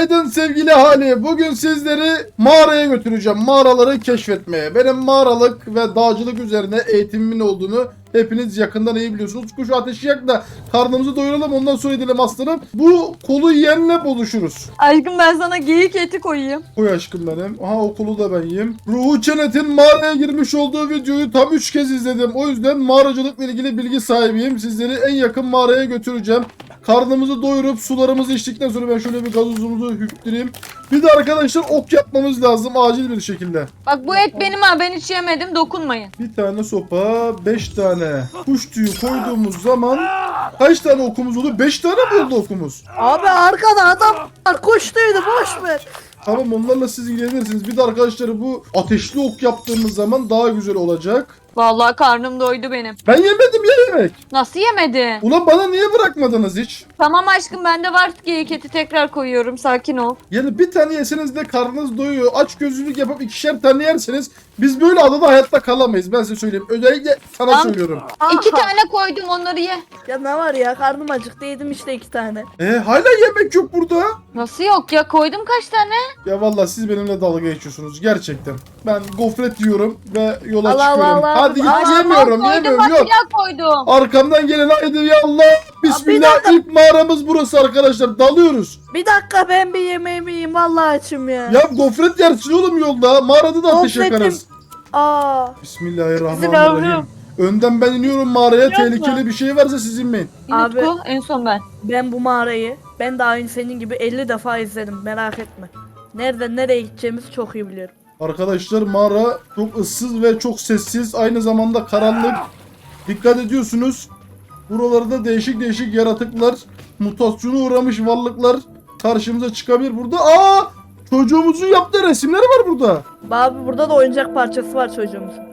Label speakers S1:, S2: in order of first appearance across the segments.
S1: Günaydın sevgili hali. Bugün sizleri mağaraya götüreceğim. Mağaraları keşfetmeye. Benim mağaralık ve dağcılık üzerine eğitimimin olduğunu hepiniz yakından iyi biliyorsunuz. Şu ateşi yak da karnımızı doyuralım, ondan sonra edelim aslanım. Bu kolu yiyenle buluşuruz.
S2: Aşkım ben sana geyik eti koyayım.
S1: Koy aşkım benim. Aha, o kolu da ben yiyeyim. Ruhu Çenet'in mağaraya girmiş olduğu videoyu tam 3 kez izledim. O yüzden mağaracılıkla ilgili bilgi sahibiyim. Sizleri en yakın mağaraya götüreceğim. Karnımızı doyurup sularımızı içtikten sonra ben şöyle bir gazozumuzu hüptüreyim. Bir de arkadaşlar ok yapmamız lazım acil bir şekilde.
S2: Bak bu et benim ha, ben hiç yemedim, dokunmayın.
S1: Bir tane sopa, 5 tane kuş tüyü koyduğumuz zaman kaç tane okumuz oldu? 5 tane mi oldu okumuz?
S3: Abi arkada adam var, koştuydu, boş ver.
S1: Tamam, onlarla siz ilgilenirsiniz. Bir de arkadaşlar bu ateşli ok yaptığımız zaman daha güzel olacak.
S2: Vallahi karnım doydu benim.
S1: Ben yemedim ya yemek.
S2: Nasıl yemedin?
S1: Ulan bana niye bırakmadınız hiç?
S2: Tamam aşkım, bende var geyik eti, tekrar koyuyorum, sakin ol.
S1: Yani bir tane yeseniz de karnınız doyuyor. Aç gözlülük yapıp 2'şer tane yerseniz biz böyle adada hayatta kalamayız. Ben size söyleyeyim. Özellikle sana
S2: Tamam.
S1: söylüyorum.
S3: Aha.
S2: 2 tane koydum, onları ye.
S3: Ya ne var ya, karnım acıktı, yedim işte 2 tane.
S1: Hala yemek yok burada.
S2: Nasıl yok ya, koydum kaç tane?
S1: Ya vallahi siz benimle dalga geçiyorsunuz gerçekten. Ben gofret yiyorum ve yola
S3: Allah
S1: çıkıyorum.
S3: Allah,
S1: Hadi git
S3: Allah,
S1: yemiyorum
S2: Koydum bak,
S1: yok.
S2: pilav koydum.
S1: Arkamdan gelin, haydi ya Allah. Bismillah,
S3: dakika.
S1: ilk mağaramız burası arkadaşlar, dalıyoruz.
S3: Bir dakika, ben bir yemeğimi yiyeyim, vallahi açım ya.
S1: Ya gofret yersin oğlum yolda, mağarada da ateş
S3: Gofretim.
S1: yakarız.
S3: Aa,
S1: Bismillahirrahmanirrahim.
S2: Yavrum.
S1: Önden ben iniyorum mağaraya,
S2: Yapma.
S1: tehlikeli bir şey varsa siz inmeyin.
S3: Abi.
S2: Abi. En son ben.
S3: ben bu mağarayı, ben de aynı senin gibi 50 defa izledim, merak etme. Nereden nereye gideceğimizi çok iyi biliyorum.
S1: Arkadaşlar mağara çok ıssız ve çok sessiz, aynı zamanda karanlık. Dikkat ediyorsunuz. Buralarda değişik değişik yaratıklar, mutasyona uğramış varlıklar karşımıza çıkabilir burada. Aa! Çocuğumuzun yaptığı resimleri var burada.
S3: Abi burada da oyuncak parçası var çocuğumuzun.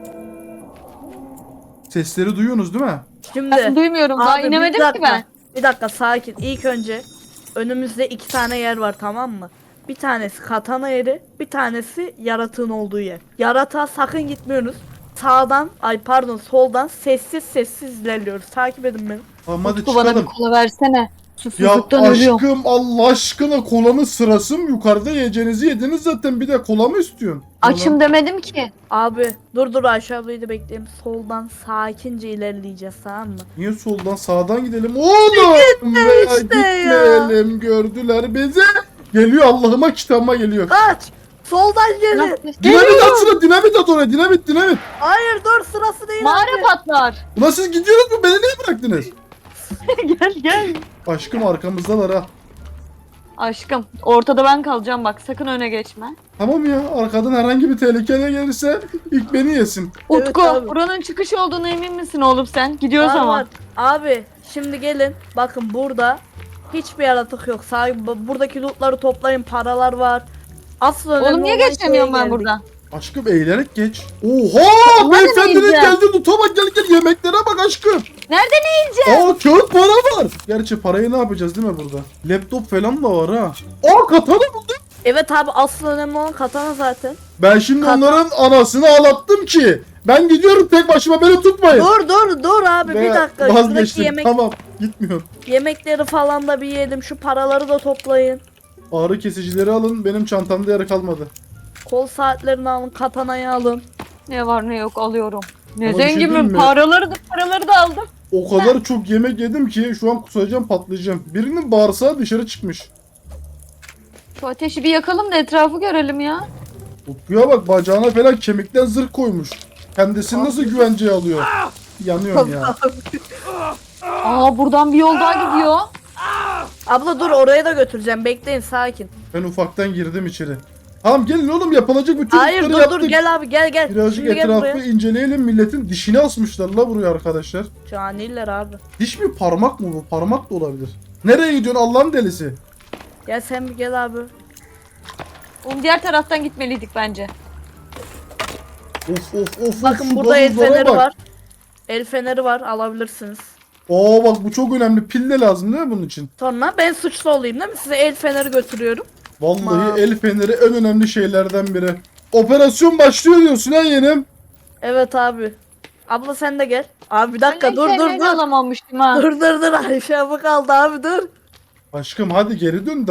S1: Sesleri duyuyorsunuz değil mi?
S3: Şimdi
S2: Ben duymuyorum, daha
S3: abi, bir
S2: inemedim ki
S3: dakika,
S2: ben.
S3: Bir dakika, sakin. İlk önce önümüzde 2 tane yer var, tamam mı? Bir tanesi katana yeri, bir tanesi yaratığın olduğu yer. Yaratığa sakın gitmiyoruz. Sağdan, ay pardon, soldan sessiz sessiz ilerliyoruz. Takip edin beni.
S1: Tamam, hadi
S2: Utku bana bir
S1: çıkalım.
S2: kola versene.
S1: Ya
S2: Susuzluktan ölüyorum.
S1: aşkım, Allah aşkına, kolanın sırası mı? Yukarıda yiyeceğinizi yediniz zaten, bir de kola mı istiyorsun?
S2: Açım demedim ki.
S3: Abi dur Ayşe ablayı da bekleyelim. Soldan sakince ilerleyeceğiz, tamam mı?
S1: Niye soldan sağdan gidelim oğlum? Ve
S3: işte ya.
S1: gitmeyelim, gördüler bizi. Geliyor, Allah'ıma kitabıma geliyor.
S3: Kaç! Soldan gelin.
S1: Dinamit atsana, dinamit at oraya, dinamit.
S3: Hayır dur, sırası değil.
S2: Mağara
S3: abi.
S2: patlar.
S1: Ulan siz gidiyorsunuz mu? Beni niye bıraktınız?
S2: gel.
S1: Aşkım arkamızdalar ha.
S2: Aşkım ortada ben kalacağım, bak sakın öne geçme.
S1: Tamam ya, arkadan herhangi bir tehlike gelirse ilk beni yesin.
S3: Evet
S2: Utku
S3: abi.
S2: buranın çıkış olduğuna emin misin oğlum sen? Gidiyoruz
S3: Var,
S2: ama.
S3: var. Abi şimdi gelin. Bakın burada hiçbir yaratık yok. Buradaki lootları toplayın. Paralar var. Asıl önemli
S2: Oğlum niye
S3: olan
S2: geçemiyorum
S3: şeye
S2: ben
S3: geldik.
S2: buradan?
S1: Aşkım eğilerek geç. Oha!
S2: Ulan
S1: Beyefendinin
S2: neyeceğim?
S1: geldi, loot'a bak, gel yemeklere bak aşkım.
S2: Nereden yiyeceğim?
S1: Aa, kağıt para var. Gerçi parayı ne yapacağız değil mi burada? Laptop falan da var ha. Aa, katana buldum.
S3: Evet abi, asıl önemli olan katana zaten.
S1: Ben şimdi
S3: Katana.
S1: onların anasını ağlattım ki. Ben gidiyorum tek başıma, beni tutmayın.
S3: Dur abi,
S1: Ve
S3: bir dakika. Şuradaki
S1: vazgeçtim, tamam, gitmiyorum.
S3: yemekleri falan da bir yiyelim. Şu paraları da toplayın.
S1: Ağrı kesicileri alın, benim çantamda yer kalmadı.
S3: Kol saatlerini alın. Katanayı alın.
S2: Ne var ne yok alıyorum. Ne
S1: Ama bir şey diyeyim
S2: zenginim,
S1: mi?
S2: paraları da aldım.
S1: O kadar çok yemek yedim ki şu an kusacağım, patlayacağım. Birinin bağırsağı dışarı çıkmış.
S2: Şu ateşi bir yakalım da etrafı görelim ya.
S1: Utku'ya bak, bacağına falan kemikten zırh koymuş. Kendisini nasıl güvenceye alıyor? Yanıyorum ya.
S2: Aa buradan bir yol daha gidiyor.
S3: Abla dur, oraya da götüreceğim. Bekleyin, sakin.
S1: Ben ufaktan girdim içeri. Tamam gelin oğlum, yapılacak bütün
S3: Hayır
S1: işleri
S3: dur
S1: yaptık.
S3: gel abi, gel.
S1: Birazcık
S3: Şimdi gel
S1: etrafı
S3: buraya.
S1: inceleyelim, milletin dişini asmışlar la buraya arkadaşlar.
S3: Caniler abi.
S1: Diş mi, parmak mı bu? Parmak da olabilir. Nereye gidiyorsun Allah'ın delisi?
S3: Gel sen bir gel abi.
S2: Oğlum diğer taraftan gitmeliydik bence.
S1: Of,
S3: Bakın
S1: şu
S3: burada el
S1: gazozlara
S3: feneri
S1: bak.
S3: var. El feneri var, alabilirsiniz.
S1: Oo bak, bu çok önemli, pil de lazım değil mi bunun için?
S3: Sonra ben suçlu olayım değil mi? Size el feneri götürüyorum.
S1: Vallahi
S3: Aman.
S1: el feneri en önemli şeylerden biri. Operasyon başlıyor diyorsun ha yeğenim.
S3: Evet abi. Abla sen de gel. Abi bir dakika,
S2: Ben
S3: dur
S2: ellerini alamamıştım ha.
S3: Dur Ayşe abla kaldı abi, dur.
S1: Aşkım hadi geri dön daha.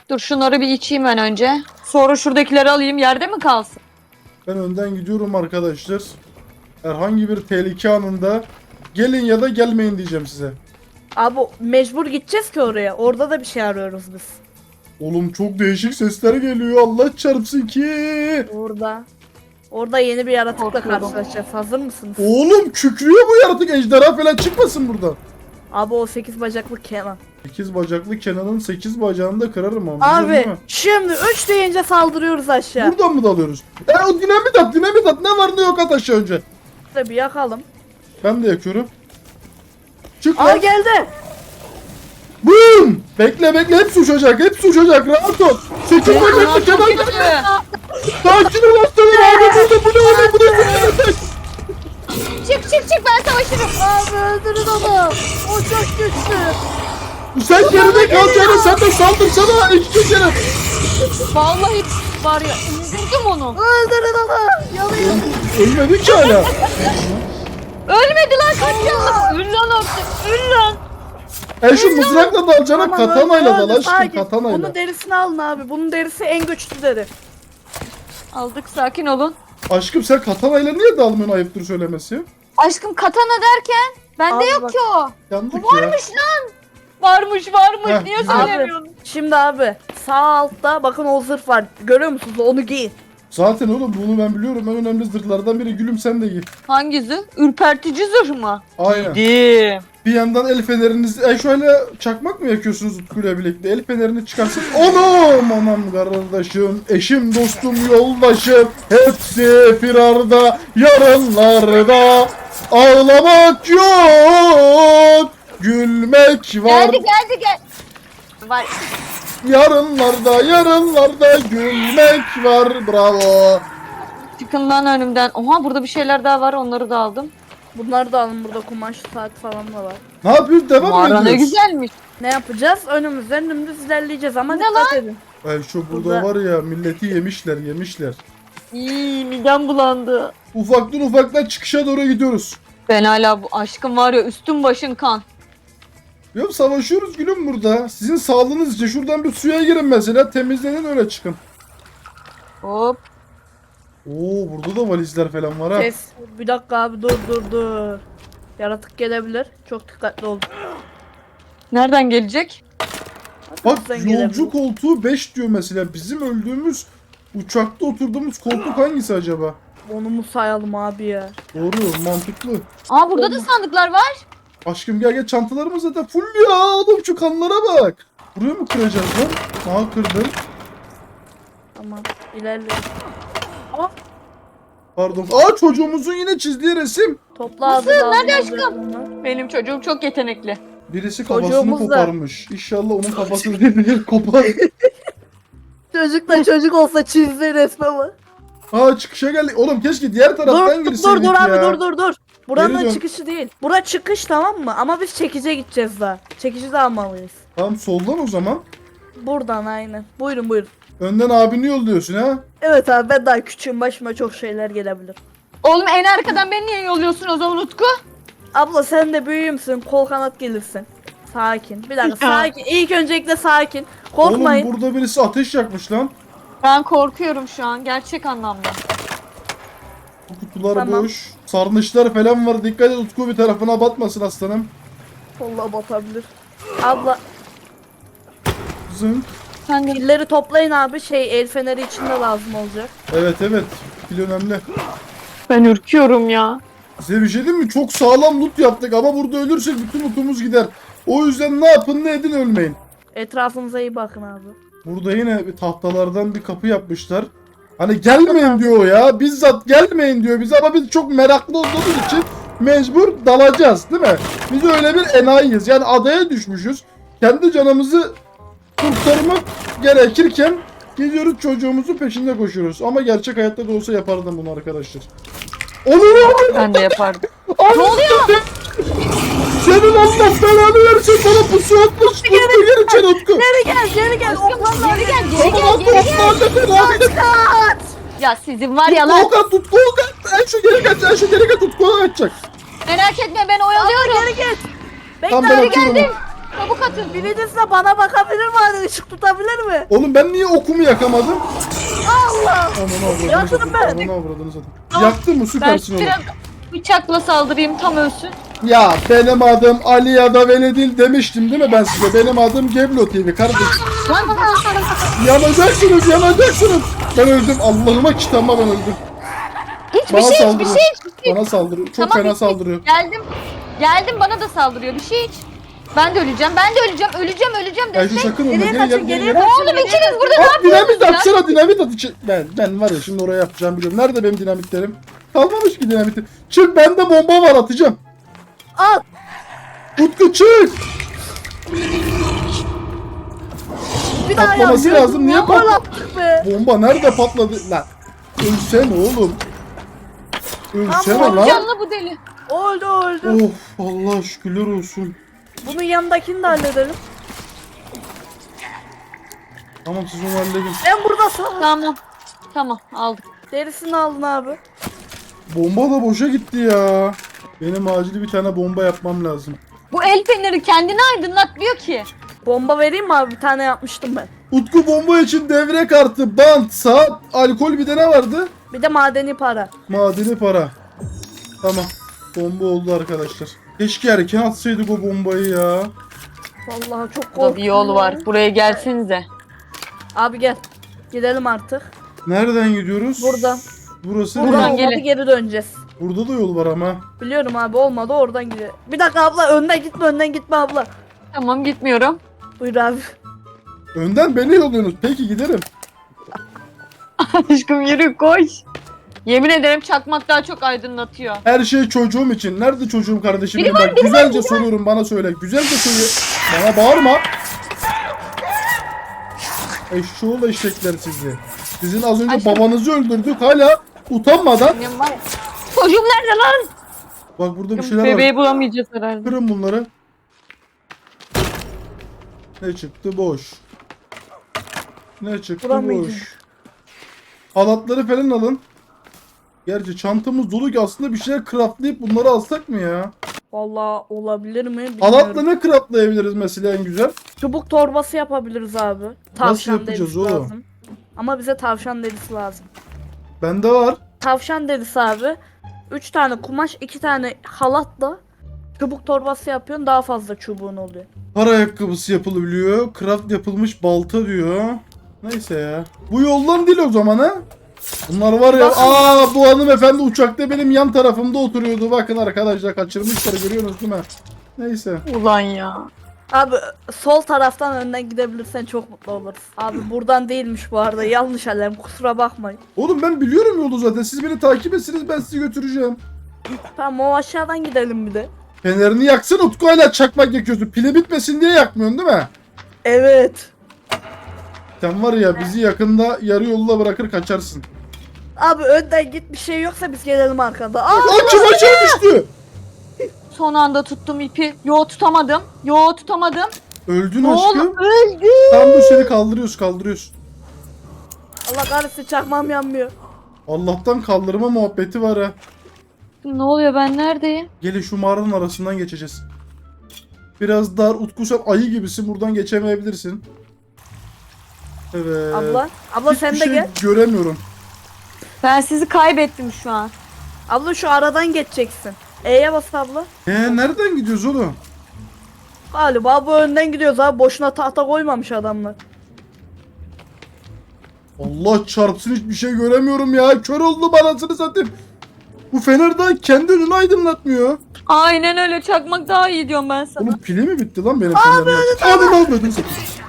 S2: Dur şunları bir içeyim ben önce. Sonra şuradakileri alayım. Yerde mi kalsın?
S1: Ben önden gidiyorum arkadaşlar. Herhangi bir tehlike anında gelin ya da gelmeyin diyeceğim size.
S3: Abi mecbur gideceğiz ki oraya. Orada da bir şey arıyoruz biz.
S1: Oğlum çok değişik sesler geliyor. Allah çarpsın ki.
S3: Orada yeni bir yaratıkla
S2: Korkuyorum.
S3: karşılaşacağız. Hazır mısınız?
S1: Oğlum kükrüyor bu yaratık. Ejderha falan çıkmasın buradan.
S3: Abi o 8 bacaklı Kenan.
S1: 8 bacaklı Kenan'ın 8 bacağını da kırarım ama. biliyorsun
S3: Abi
S1: değil mi?
S3: şimdi 3 deyince saldırıyoruz aşağı.
S1: Buradan mı dalıyoruz? O dinamit at, dinamit at. Ne var ne yok at aşağı önce.
S3: Şurada bir yakalım.
S1: Ben de yakıyorum. Çık
S3: Aa
S1: lan.
S3: geldi.
S1: Boom! Bekle bekle hepsi uçacak, hepsi uçacak. Rahat ol. 8 bacaklı Kenan geldi. Sakin ol aslanım abi. Burada bu ne oluyor? Bu ne?
S2: Çık ben savaşırım.
S3: Abi öldürün onu. O çok güçlü.
S1: Sen geride kalacaksın. Sen de saldırsana. İşte canım.
S2: Vallahi var ya. Öldürdüm onu.
S3: Öldürün onu. Yanıyor.
S1: Ölmedi ki hala.
S2: Ölmedi lan kaç canlı. Öl lan artık. Öl lan.
S1: Şu mızrakla dalacağına
S3: Tamam,
S1: katanayla
S3: öldü,
S1: dal aşkım
S3: sakin.
S1: katanayla.
S3: Bunun derisini alın abi. Bunun derisi en güçlü deri.
S2: Aldık sakin olun.
S1: Aşkım sen katanayla niye dalmıyorsun ayıptır söylemesi?
S2: Aşkım katana derken bende
S3: Abi
S2: yok
S3: bak.
S2: ki o.
S1: Yandık ya.
S2: Varmış lan. Varmış
S1: Heh,
S2: niye
S1: güzel.
S2: söylemiyorsun?
S3: Şimdi abi sağ altta bakın o zırh var. Görüyor musunuz? Onu giyin.
S1: Zaten oğlum bunu ben biliyorum. En önemli zırhlardan biri. Gülüm sen de giy.
S2: Hangi zırh? Ürpertici zırh mı?
S1: Aynen.
S2: Giydim.
S1: Bir yandan el fenerinizi... şöyle çakmak mı yakıyorsunuz Utku'yla birlikte? El fenerini çıkarsın. Anam kardeşim, eşim, dostum, yoldaşım. Hepsi firarda, yarınlarda. Ağlamak yok, gülmek var.
S2: Geldi. Var.
S1: Yarınlarda gülmek var. Bravo.
S2: Çıkın lan önümden. Oha burada bir şeyler daha var onları da aldım.
S3: Bunları da alın, burada kumaş saat falan da var.
S1: Ne yapıyoruz? Devam mı
S2: Mağara ne
S1: ediyoruz?
S2: güzelmiş.
S3: Ne yapacağız? Önümüzden dümdüz ilerleyeceğiz ama
S2: Ne
S3: dikkat edin.
S1: Şu burada
S3: Burada-
S1: var ya, milleti yemişler.
S2: İyi midem bulandı.
S1: Ufaktan çıkışa doğru gidiyoruz.
S2: Ben hala bu aşkım var ya üstüm başın kan.
S1: Yok savaşıyoruz gülüm burada. Sizin sağlığınız için şuradan bir suya girin mesela. Temizlenin öyle çıkın.
S2: Hop.
S1: Oo burada da valizler falan var ha.
S3: Kes. Bir dakika abi dur. Yaratık gelebilir. Çok dikkatli olun.
S2: Nereden gelecek?
S1: Bak
S3: Arkamızdan
S1: yolcu
S3: gelebilir.
S1: koltuğu 5 diyor mesela. Bizim öldüğümüz uçakta oturduğumuz koltuk hangisi acaba?
S3: Onu mu sayalım abi ya?
S1: Doğru, mantıklı.
S2: Aa burada da sandıklar var.
S1: Aşkım gel çantalarımız zaten full ya. Oğlum şu kanlara bak. Buraya mı kıracağız lan? Aha kırdım.
S3: Tamam ilerle.
S1: Pardon. Çocuğumuzun yine çizdiği resim.
S3: Topla abi.
S2: Nasıl?
S3: lazım
S2: Nerede
S3: olacak
S2: aşkım?
S3: bunlar.
S2: Benim çocuğum çok yetenekli.
S1: Birisi kafasını
S3: Çocuğumuz da-
S1: koparmış. İnşallah onun kafasını değil kopar.
S3: Çocuk da çocuk olsa çizdi resmimi.
S1: Çıkışa geldik. Oğlum keşke diğer taraftan
S3: Dur
S1: girseydik
S3: abi
S1: ya.
S3: dur. Buranın
S1: Geri dön.
S3: çıkışı değil. Bura çıkış tamam mı? Ama biz çekice gideceğiz daha. Çekici de almalıyız.
S1: Tamam soldan o zaman.
S3: Buradan aynen. Buyurun.
S1: Önden abini yolluyorsun ha.
S3: Evet abi ben daha küçüğüm, başıma çok şeyler gelebilir.
S2: Oğlum en arkadan beni niye yolluyorsun o zaman Utku?
S3: Abla sen de büyüğümsün, kol kanat gelirsin. Sakin. Bir dakika sakin. İlk öncelikle sakin. Korkmayın.
S1: Oğlum burada birisi ateş yakmış lan.
S2: Ben korkuyorum şu an gerçek anlamda.
S1: Bu kutular
S3: Tamam.
S1: boş. Sarnıçlar falan var. Dikkat et Utku bir tarafına batmasın aslanım.
S3: Vallahi batabilir. Abla
S1: Zınk.
S2: Sen de
S3: pilleri toplayın abi, el feneri için de lazım olacak.
S1: Evet. Pil önemli.
S2: ben ürküyorum ya.
S1: Size bir şey diyeyim mi? Çok sağlam loot yaptık ama burada ölürsek bütün lootumuz gider. O yüzden ne yapın ne edin ölmeyin.
S3: Etrafınıza iyi bakın abi.
S1: Burada yine bir tahtalardan bir kapı yapmışlar. Hani gelmeyin diyor ya. Bizzat gelmeyin diyor bize ama biz çok meraklı olduğumuz için mecbur dalacağız değil mi? Biz öyle bir enayiyiz. Yani adaya düşmüşüz. Kendi canımızı kurtarmak gerekirken gidiyoruz çocuğumuzun peşinde koşuyoruz. Ama gerçek hayatta da olsa yapardım bunu arkadaşlar. Olur.
S2: Ben de yapardım.
S1: Ne oluyor? Senin Allah belanı versin, bana pusu atmış. Utku geri içeri Utku.
S3: Geri gel. Okanlar
S2: Geri gel
S1: Tamam Utku.
S2: Ya sizin var ya lan.
S1: Tutku Okan. En şu geri kaç Utku kaçacak.
S2: Merak etme ben oyalıyorum.
S3: Geri git. Bekle
S1: Tam ben
S3: abi,
S1: atıyorum.
S3: geldim.
S2: Çabuk atın.
S3: Biriniz de bana bakabilir mi? Hani ışık tutabilir mi?
S1: Oğlum ben niye okumu yakamadım?
S3: Allah!
S1: Aman avradını
S3: Yakın
S1: satayım.
S3: ben.
S1: Aman avradını satayım.
S2: Tamam.
S1: Yaktın mı?
S2: Ben
S1: Süpersin oğlum.
S2: biraz bıçakla saldırayım tam ölsün.
S1: Ya benim adım Ali ya da Veledil demiştim değil mi ben size? Benim adım Geblo TV kardeşim. Yanacaksınız, yanacaksınız. Ben öldüm. Allah'ıma kitabıma ben öldüm.
S2: Hiçbir
S1: Bana
S2: şey, hiçbir
S1: saldırıyor.
S2: şey, hiçbir şey.
S1: Bana saldırıyor. Çok
S2: Tamam,
S1: fena
S2: bitti.
S1: saldırıyor.
S2: Geldim bana da saldırıyor. Bir şey hiç. Ben de öleceğim. Öleceğim.
S1: Ayşe
S2: Destek.
S1: sakın ölme.
S3: Geriye
S1: Geri gel,
S3: kaçın,
S1: geri
S3: geriye
S1: gel.
S3: kaçın.
S2: Oğlum ikiniz burada ne
S1: At dinamit
S2: yapıyorsunuz ya?
S1: atsana, dinamit at. Ben var ya şimdi oraya yapacağım biliyorum. Nerede benim dinamitlerim? Kalmamış ki dinamitim. Çık, bende bomba var, atacağım.
S3: At!
S1: Utku çık.
S3: Bir daha
S1: Patlaması
S3: ya,
S1: lazım, niye
S3: gol
S1: patla-
S3: attık be?
S1: Bomba nerede patladı? Lan. Ölsene oğlum. Ölsene
S3: Tamam,
S1: lan.
S2: Canlı bu deli.
S3: Öldü.
S1: Of Allah şükürler olsun.
S3: Bunun yanındakini de halledelim.
S1: Tamam siz onu halledin.
S3: Ben burada sağ.
S2: Tamam aldık.
S3: Derisini aldın abi.
S1: Bomba da boşa gitti ya. Benim acil bir tane bomba yapmam lazım.
S2: Bu el feneri kendini aydınlatmıyor ki.
S3: Bomba vereyim mi abi? Bir tane yapmıştım ben.
S1: Utku bomba için devre kartı, bant, saat, alkol, bir de ne vardı?
S3: Bir de madeni para.
S1: Madeni para. Tamam. Bomba oldu arkadaşlar. Keşke erken atsaydık o bombayı ya.
S3: Vallahi çok
S2: Burada
S3: korktum.
S2: bir yol var. Buraya gelsenize.
S3: Abi gel. Gidelim artık.
S1: Nereden gidiyoruz?
S3: Buradan.
S1: Burası
S3: Buradan
S2: Buradan
S1: ne?
S3: olmadı,
S2: gelin.
S3: geri döneceğiz.
S1: Burada da yol var ama.
S3: Biliyorum abi, olmadı, oradan gidelim. Bir dakika abla, önden gitme abla.
S2: Tamam gitmiyorum.
S3: Buyur abi.
S1: Önden beni yolluyorsunuz. Peki giderim.
S2: Aşkım yürü koş. Yemin ederim çakmak daha çok aydınlatıyor.
S1: Her şey çocuğum için. Nerede çocuğum kardeşim? benim? Bak güzelce soruyorum, bana söyle. Güzelce söyle. Bana bağırma. Eşşoğlu eşekler sizi. Sizin az önce
S2: Aşkım.
S1: babanızı öldürdük, hala utanmadan.
S2: Benim var ya. Çocuğum nerede lan?
S1: Bak burada bir şeyler
S2: Bebeği
S1: var.
S2: bulamayacağız herhalde.
S1: Kırın bunları. Ne çıktı? Boş. Ne çıktı?
S3: Vuramayacağım.
S1: Boş. Halatları falan alın. Gerçi çantamız dolu ki aslında bir şeyler craftlayıp bunları alsak mı ya?
S3: Vallahi olabilir mi bilmiyorum.
S1: Halatla ne craftlayabiliriz mesela en güzel?
S3: Çubuk torbası yapabiliriz abi. Tavşan
S1: yapacağız
S3: derisi
S1: oğlum?
S3: lazım. Ama bize tavşan derisi lazım.
S1: Bende var.
S3: Tavşan derisi abi. 3 tane kumaş, 2 tane halatla çubuk torbası yapıyorsun, daha fazla çubuğun oluyor.
S1: Kar ayakkabısı yapılabiliyor. Craft yapılmış balta diyor. Neyse ya. Bu yoldan değil o zaman ha? Bunlar var ya.
S3: Bakın.
S1: Bu hanımefendi uçakta benim yan tarafımda oturuyordu. Bakın arkadaşlar, kaçırmışlar, görüyorsunuz değil mi? Neyse.
S2: Ulan ya.
S3: Abi sol taraftan önden gidebilirsen çok mutlu oluruz. Abi buradan değilmiş bu arada, yanlış alarm, kusura bakmayın.
S1: Oğlum ben biliyorum yolu zaten. Siz beni takip etsiniz, ben sizi götüreceğim.
S3: Tamam, o aşağıdan gidelim bir de.
S1: Fenerini yaksın Utku, hala çakmak yakıyorsun. Pili bitmesin diye yakmıyorsun değil mi?
S3: Evet.
S1: Sen var ya, bizi yakında yarı yolda bırakır kaçarsın.
S3: Abi önden git, bir şey yoksa biz gelelim arkada. Aa,
S1: Lan kim aşağı düştü?
S2: Son anda tuttum ipi. Yo tutamadım.
S1: Öldün
S2: Ne
S1: aşkım.
S2: oldu? Öldü.
S1: Tam bu seni kaldırıyoruz.
S3: Allah kahretsin, çakmam yanmıyor.
S1: Allah'tan kaldırma muhabbeti var ha.
S2: Ne oluyor, ben neredeyim?
S1: Gelin şu mağaranın arasından geçeceğiz. Biraz dar, Utku sen ayı gibisin, buradan geçemeyebilirsin. Evet.
S3: Abla sen
S1: Hiçbir
S3: de
S1: şey
S3: gel.
S1: göremiyorum.
S2: Ben sizi kaybettim şu an.
S3: Abla şu aradan geçeceksin. E'ye bas abla.
S1: Nereden gidiyoruz oğlum?
S3: Galiba bu önden gidiyoruz abi. Boşuna tahta koymamış adamlar.
S1: Allah çarpsın, hiçbir şey göremiyorum ya. Kör oldum anasını satayım. Bu fener daha kendi önünü aydınlatmıyor.
S2: Aynen öyle, çakmak daha iyi diyorum ben sana.
S1: Oğlum pili mi bitti lan benim fenerim? Abi ne yapıyordun satayım?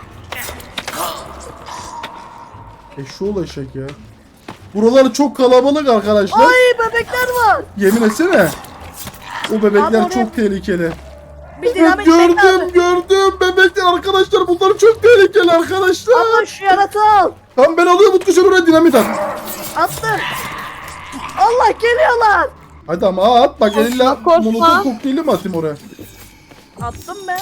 S1: Eşşoğlu eşek ya. Buralar çok kalabalık arkadaşlar.
S3: Ay, bebekler var.
S1: Yemin etsene. O bebekler
S3: Abi oraya-
S1: çok tehlikeli.
S3: Bir dinamik bekle abi.
S1: Gördüm bebekler arkadaşlar, bunlar çok tehlikeli arkadaşlar.
S3: Abla şu yaratığı al.
S1: Tamam ben alıyorum Utku, sen oraya dinamit at.
S3: Attım. Allah, geliyorlar.
S1: Hadi ama at bak, elinle
S2: korkma.
S1: molotov kokteyli mi atayım oraya?
S3: Attım ben.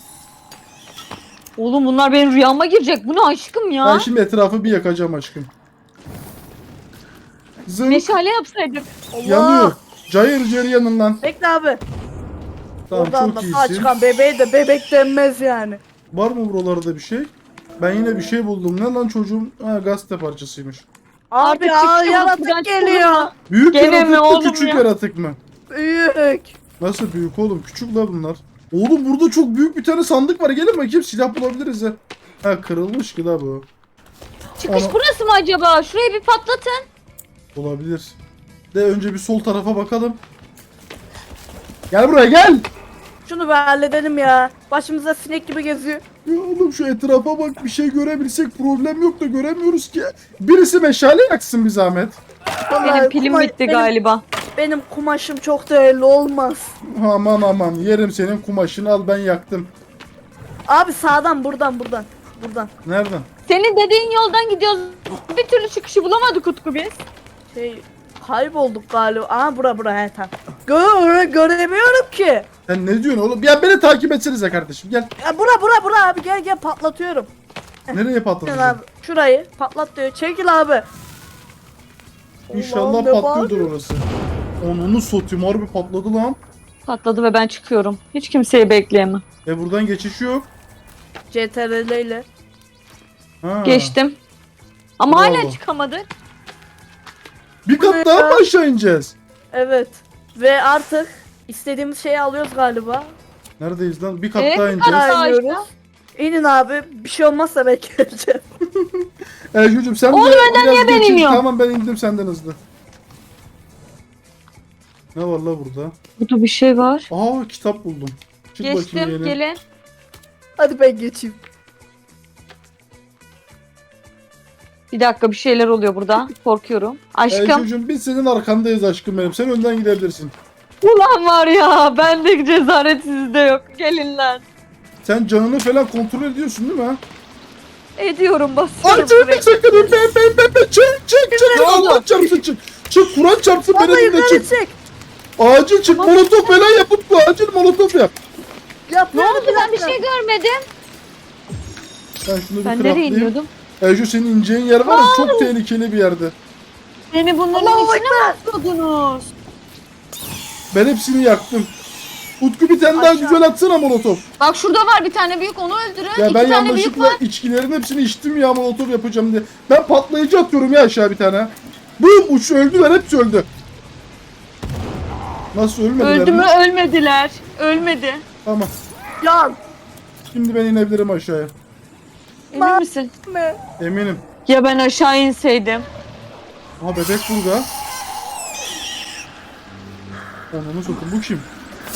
S2: Oğlum bunlar benim rüyama girecek. Bu ne aşkım ya?
S1: Ben şimdi etrafı bir yakacağım aşkım. Zın
S2: Meşale yapsaydık.
S3: Allah.
S1: yanıyor. Cayır cayır yanın lan.
S3: Bekle abi.
S1: Tamam
S3: Oradan
S1: çok
S3: da sağ
S1: iyisin.
S3: çıkan bebeğe de bebek denmez yani.
S1: Var mı buralarda bir şey? Ben yine bir şey buldum. Ne lan çocuğum? Ha, gazete parçasıymış.
S3: Abi
S2: Artık
S3: aa,
S2: çıktı bu, buradan
S3: yaratık geliyor.
S1: Büyük
S2: Gene
S1: yaratık
S2: mi
S1: mı
S2: oğlum
S1: küçük
S2: ya?
S1: yaratık mı?
S3: Büyük.
S1: Nasıl büyük oğlum? Küçük la bunlar. Oğlum burada çok büyük bir tane sandık var. Gelin bakayım silah bulabiliriz ya. Ha kırılmış ki la bu.
S2: Çıkış
S1: Ana-
S2: burası mı acaba? Şurayı bir patlatın.
S1: Olabilir. De önce bir sol tarafa bakalım. Gel buraya gel.
S3: Şunu bir halledelim ya. Başımıza sinek gibi geziyor.
S1: Ya oğlum şu etrafa bak, bir şey görebilsek problem yok da göremiyoruz ki. Birisi meşale yaksın bir zahmet.
S3: Vallahi
S2: Benim pilim
S3: kuma-
S2: bitti
S3: benim-
S2: galiba.
S3: Benim kumaşım çok değerli olmaz.
S1: Aman aman yerim senin kumaşını, al ben yaktım.
S3: Abi sağdan buradan. Buradan.
S1: Nereden?
S2: Senin dediğin yoldan gidiyoruz. Bir türlü çıkışı bulamadık Utku biz.
S3: Kaybolduk galiba. Aha bura he tamam. Göremiyorum ki.
S1: Sen ne diyorsun oğlum? Ya beni takip etsenize kardeşim gel.
S3: Ya bura abi gel patlatıyorum.
S1: Nereye
S3: Gel
S1: patlatacağım?
S3: abi şurayı patlat diyor. Çekil abi.
S1: İnşallah
S3: Allah'ım, ne
S1: patlıyordur
S3: bağırıyor?
S1: orası. Onu satayım, harbi patladı lan.
S2: Patladı ve ben çıkıyorum. Hiç kimseyi bekleyemem.
S1: Buradan geçiş yok.
S3: CTRL ile.
S1: Ha.
S2: Geçtim. Ama
S1: Bravo.
S2: hala çıkamadık.
S1: Bir kat
S3: ne
S1: daha
S3: ya?
S1: mı aşağı ineceğiz?
S3: Evet. Ve artık istediğimiz şeyi alıyoruz galiba.
S1: Neredeyiz lan? Bir kat
S2: Evet,
S1: daha
S2: bir
S1: ineceğiz.
S2: kat daha.
S3: İniyoruz. İnin abi. Bir şey olmazsa ben geleceğim.
S1: Çocuğum sen
S2: Oğlum,
S1: de
S2: önden
S1: biraz
S2: niye ben
S1: geçin.
S2: iniyorum?
S1: Tamam ben indim senden hızlı. Ne var la burada?
S2: Burada bir şey var.
S1: Aa kitap buldum. Çık bakayım
S2: Geçtim,
S1: yeni.
S2: gelin.
S3: Hadi ben geçeyim.
S2: Bir dakika, bir şeyler oluyor burada. Korkuyorum. Aşkım.
S1: Çocuğum biz senin arkandayız aşkım benim. Sen önden gidebilirsin.
S2: Ulan var ya, bende cesaret sizde yok. Gelin lan.
S1: Sen canını falan kontrol ediyorsun değil mi ha?
S2: Ediyorum, basıyorum.
S1: Ay canım
S2: buraya.
S1: sakın ben çık
S2: Ne oldu?
S1: Allah çarpsın çık. Çık Kur'an çarpsın
S3: Vallahi
S1: benim de
S3: yukarı
S1: çık.
S3: çek.
S1: Acil çık
S2: Tamam.
S1: molotof falan yapıp bu acil molotof yap.
S2: Ne
S3: Yapıyorum
S2: oldu, ben bir şey görmedim.
S1: Ben şunu bir
S2: Ben nereye
S1: craftlayayım.
S2: iniyordum?
S1: Şu senin ineceğin yer var ya çok tehlikeli bir yerde.
S2: Beni bunların
S3: Allahu
S2: içine mi atıyordunuz?
S1: Ben hepsini yaktım. Utku bir tane daha
S3: Aşağı.
S1: güzel atsana molotof.
S2: Bak şurada var bir tane büyük, onu öldürün.
S1: Ya
S2: İki
S1: ben
S2: tane büyük
S1: yanlışlıkla
S2: var.
S1: içkilerin hepsini içtim ya molotof yapacağım diye. Ben patlayıcı atıyorum ya aşağı bir tane. Bum uç öldüler, hepsi öldü. Nasıl ölmediler
S2: Öldü
S1: mi?
S2: mü? Ölmediler. Ölmedi.
S1: Tamam.
S3: Yan.
S1: Şimdi ben inebilirim aşağıya.
S2: Emin misin?
S3: Me.
S1: Eminim.
S2: Ya ben aşağı inseydim.
S1: Aha bebek burada. Ananı sokun, bu kim?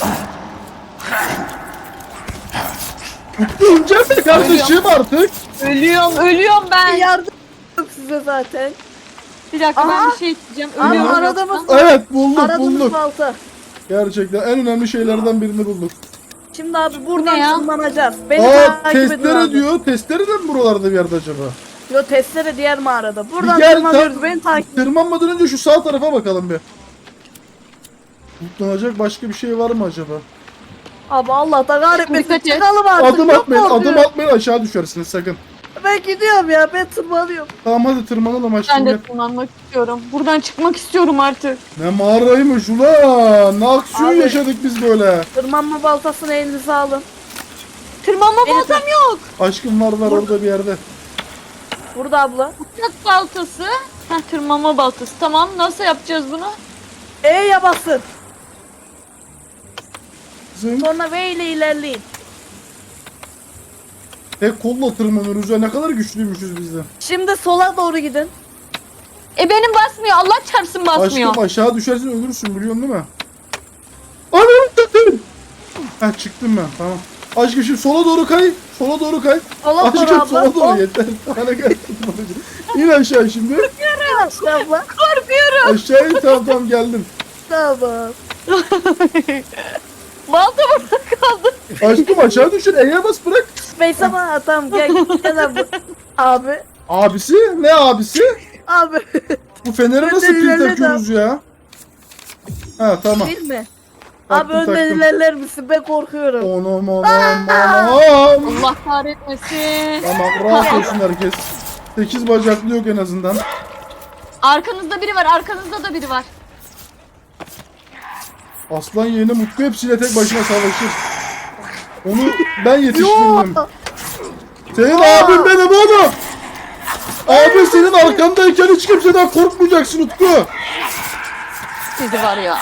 S1: Utku öleceğim mi kardeşim artık?
S2: Ölüyorum ben.
S3: Yardım size zaten.
S2: Bir dakika,
S3: Aha.
S2: ben bir şey isteyeceğim.
S3: Ama
S2: Ölüyorum.
S3: aradığımız
S1: Evet bulduk
S3: aradığımız
S1: bulduk.
S3: balta.
S1: Gerçekten en önemli şeylerden birini bulduk.
S3: Şimdi abi buradan
S2: Ne ya?
S3: tırmanacağız. Beni
S1: Aa
S3: takip edin
S1: testere
S3: abi.
S1: diyor. Testere de mi buralarda bir yerde acaba?
S3: Yo testere diğer mağarada. Buradan
S1: Bir gel,
S3: tırmanıyoruz. Beni takip
S1: Tırmanmadan önce şu sağ tarafa bakalım bir. Mutlanacak başka bir şey var mı acaba?
S3: Abi Allah da kahretmesin.
S2: Dikkat et.
S3: Çıkalım artık.
S1: Adım
S3: Çok
S1: atmayın, adım
S3: korkuyorum.
S1: atmayın aşağı düşersiniz sakın.
S3: Ben gidiyorum ya. Ben tırmanıyorum.
S1: Tamam hadi tırmanalım
S2: Ben
S1: aşkım.
S2: de
S1: Gel.
S2: tırmanmak istiyorum. Buradan çıkmak istiyorum artık.
S1: Ne mağaraymış ulan. Ne aksiyon
S3: Abi.
S1: yaşadık biz böyle.
S3: Tırmanma baltasını elinize alın.
S2: Tırmanma
S3: Beni
S2: baltam yok.
S1: Aşkım var orada bir yerde.
S3: Burada abla.
S2: Uçak baltası. Heh, tırmanma baltası. Tamam, nasıl yapacağız bunu?
S3: E'ye basın.
S1: Zınk.
S3: Sonra V ile ilerleyin.
S1: Tek kolla tırmanıyoruz ya, ne kadar güçlüymüşüz biz de.
S3: Şimdi sola doğru gidin.
S2: Benim basmıyor. Allah çarpsın basmıyor.
S1: Aşkım aşağı düşersin ölürsün biliyorsun değil mi? Anam tutayım. Heh çıktım ben tamam. Aşkım şimdi sola doğru kay. Sola doğru kay.
S3: Sola doğru
S1: Aşkım
S3: abla.
S1: sola doğru
S3: Hop.
S1: yeter. Bana gel. İn aşağı şimdi.
S3: İşte abla.
S2: Korkuyorum.
S1: Aşağı in tamam geldim.
S3: Tamam.
S2: Balta burada kaldı.
S1: Aşkım aşağı düşün. E'ye bas bırak.
S3: Space ama tamam gel abla. Abi.
S1: Abisi? Ne abisi?
S3: Abi.
S1: Bu fenere
S3: Ben
S1: nasıl
S3: de
S1: pil
S3: ilerledim.
S1: takıyoruz ya? Ha tamam.
S3: Değil mi?
S1: Taktım,
S3: Abi önden
S1: taktım.
S3: ilerler misin? Ben korkuyorum.
S1: Onam.
S2: Allah kahretmesin.
S1: Tamam rahat olsun herkes. 8 bacaklı yok en azından.
S2: Arkanızda biri var. Arkanızda da biri var.
S1: Aslan yeğeni Mutlu hepsiyle tek başına savaşır. Onu ben yetiştirdim. Senin abin benim oğlum. Abi senin arkandayken hiç kimseden korkmayacaksın Utku.
S2: Sizi var ya.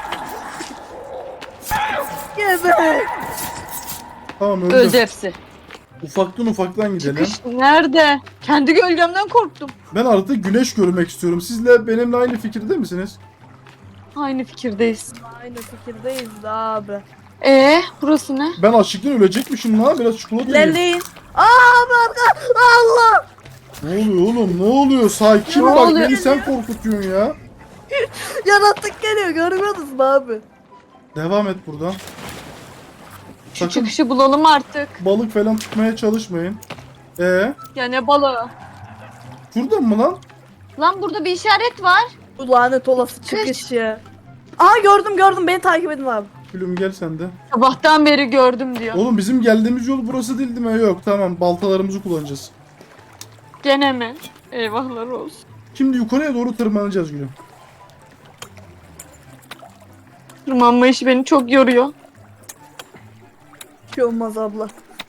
S3: Gebe.
S1: Tamam
S2: Öldü
S1: öldüm.
S2: hepsi.
S1: Ufaktan gidelim.
S2: Çıkış nerede? Kendi gölgemden korktum.
S1: Ben artık güneş görmek istiyorum. Sizle benimle aynı fikirde misiniz?
S2: Aynı fikirdeyiz.
S3: Aynı fikirdeyiz abi.
S2: Burası ne?
S1: Ben açlıktan ölecekmişim lan. Biraz çikolata yiyeyim.
S3: İlerleyin. Abi arka. Allah.
S1: Ne oluyor oğlum? Ne oluyor? Sakin
S2: Ne
S1: bak
S2: oluyor?
S1: beni sen korkutuyorsun ya.
S3: Yaratık geliyor, görmüyorsunuz mu abi?
S1: Devam et buradan.
S2: Şu
S1: Sakın
S2: çıkışı bulalım artık.
S1: balık falan tutmaya çalışmayın.
S2: Ya ne balığı?
S1: Buradan mı lan?
S2: Lan burada bir işaret var.
S3: Bu lanet olası çıkış ya. Aa gördüm, beni takip edin abi.
S1: Gülüm gel sen de.
S2: Sabahtan beri gördüm diyor.
S1: Oğlum bizim geldiğimiz yol burası değil mi? Yok tamam baltalarımızı kullanacağız.
S2: Gene mi? Eyvahlar olsun.
S1: Şimdi yukarıya doğru tırmanacağız Gülüm.
S2: Tırmanma işi beni çok yoruyor.
S3: Bir şey olmaz abla.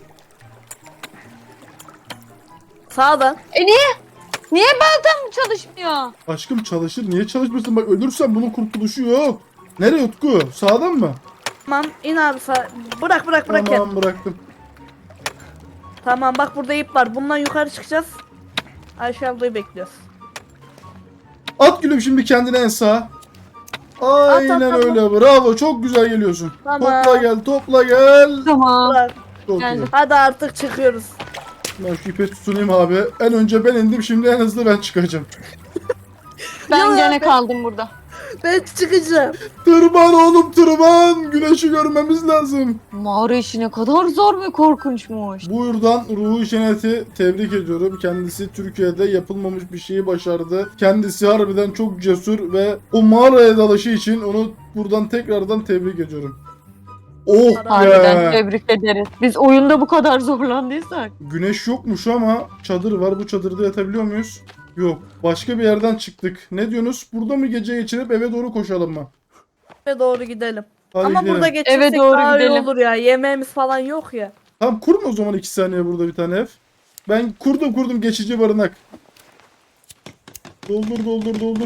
S3: Sağdan.
S2: Niye? Niye baltam çalışmıyor?
S1: Aşkım çalışır. Niye çalışmıyorsun? Bak ölürsen bunun kurtuluşu yok. Nereye Utku? Sağdan mı?
S3: Tamam in abi sağ. Bırak ya.
S1: Tamam bıraktım.
S3: Tamam bak burada ip var. Bundan yukarı çıkacağız. Ayşe ablayı bekliyoruz.
S1: At Gülüm şimdi kendine en sağa. Aynen
S3: at.
S1: öyle. Bravo. Çok güzel geliyorsun.
S3: Tamam.
S1: Topla gel.
S2: Tamam.
S3: Bırak.
S1: Çok
S2: Geldim.
S1: iyi.
S3: Hadi artık çıkıyoruz.
S1: Ben şu ipe tutunayım abi. En önce ben indim. Şimdi en hızlı ben çıkacağım.
S2: Ben
S3: Ya
S2: gene
S3: ben-
S2: kaldım burada.
S3: Ben çıkacağım.
S1: Tırman oğlum tırman. Güneşi görmemiz lazım.
S2: Mağara işi ne kadar zor ve korkunçmuş.
S1: Buradan Ruhi Şenet'i tebrik ediyorum. Kendisi Türkiye'de yapılmamış bir şeyi başardı. Kendisi harbiden çok cesur ve o mağaraya dalışı için onu buradan tekrardan tebrik ediyorum. Oh
S2: Harbiden
S1: be!
S2: tebrik ederiz. Biz oyunda bu kadar zorlandıysak.
S1: Güneş yokmuş ama çadır var. Bu çadırda yatabiliyor muyuz? Yok. Başka bir yerden çıktık. Ne diyorsunuz? Burada mı gece geçirip eve doğru koşalım mı?
S3: Eve doğru gidelim.
S1: Hadi
S3: Ama
S1: gidelim.
S3: burada geçirsek
S2: Eve doğru
S3: daha iyi
S2: gidelim.
S3: olur ya. Yemeğimiz falan yok ya.
S1: Tamam kurun o zaman 2 saniye burada bir tane ev. Ben kurdum geçici barınak. Doldur.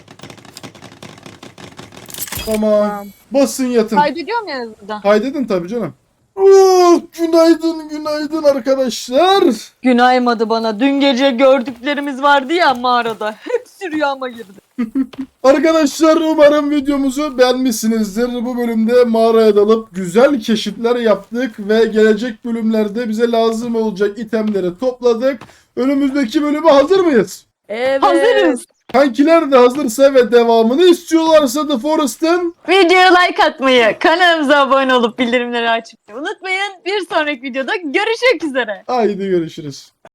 S1: Tamam.
S3: Tamam.
S1: Basın yatın.
S2: Kaydediyor muyuz burada?
S1: Kaydedin tabii canım. Oh, günaydın arkadaşlar.
S2: Gün aymadı bana. Dün gece gördüklerimiz vardı ya mağarada. Hepsi rüyama girdi.
S1: Arkadaşlar umarım videomuzu beğenmişsinizdir. Bu bölümde mağaraya dalıp güzel keşifler yaptık ve gelecek bölümlerde bize lazım olacak itemleri topladık. Önümüzdeki bölüme hazır mıyız?
S3: Evet.
S2: Hazırız.
S1: Kankiler de hazırsa ve devamını istiyorlarsa The Forest'ın
S2: Videoya like atmayı, kanalımıza abone olup bildirimleri açmayı unutmayın. Bir sonraki videoda görüşmek üzere.
S1: haydi görüşürüz.